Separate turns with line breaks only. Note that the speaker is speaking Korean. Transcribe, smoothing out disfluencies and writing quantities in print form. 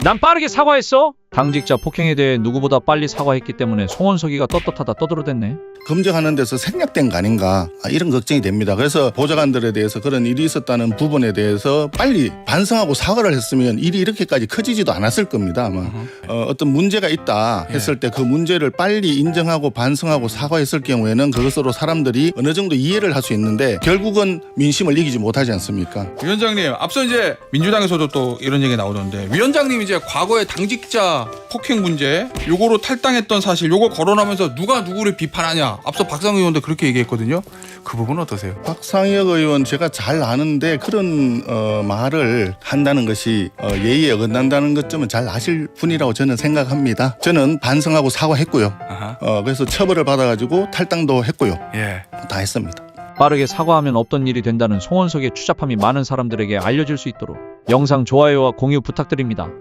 난 빠르게 사과했어. 당직자 폭행에 대해 누구보다 빨리 사과했기 때문에 송원석이가 떳떳하다 떠들어댔네.
검증하는 데서 생략된 거 아닌가 이런 걱정이 됩니다. 그래서 보좌관들에 대해서 그런 일이 있었다는 부분에 대해서 빨리 반성하고 사과를 했으면 일이 이렇게까지 커지지도 않았을 겁니다. 아마 어떤 문제가 있다 했을 때 그 문제를 빨리 인정하고 반성하고 사과했을 경우에는 그것으로 사람들이 어느 정도 이해를 할 수 있는데 결국은 민심을 이기지 못하지 않습니까?
위원장님, 앞서 이제 민주당에서도 또 이런 얘기 나오던데 위원장님 이제 과거에 당직자 폭행 문제 요거로 탈당했던 사실 요거 거론하면서 누가 누구를 비판하냐 앞서 박상우 의원도 그렇게 얘기했거든요. 그 부분은 어떠세요?
박상혁 의원 제가 잘 아는데 그런 말을 한다는 것이 예의에 어긋난다는 것쯤은 잘 아실 분이라고 저는 생각합니다. 저는 반성하고 사과했고요. 그래서 처벌을 받아가지고 탈당도 했고요.
예.
다 했습니다.
빠르게 사과하면 없던 일이 된다는 송원석의 추잡함이 많은 사람들에게 알려질 수 있도록 영상 좋아요와 공유 부탁드립니다.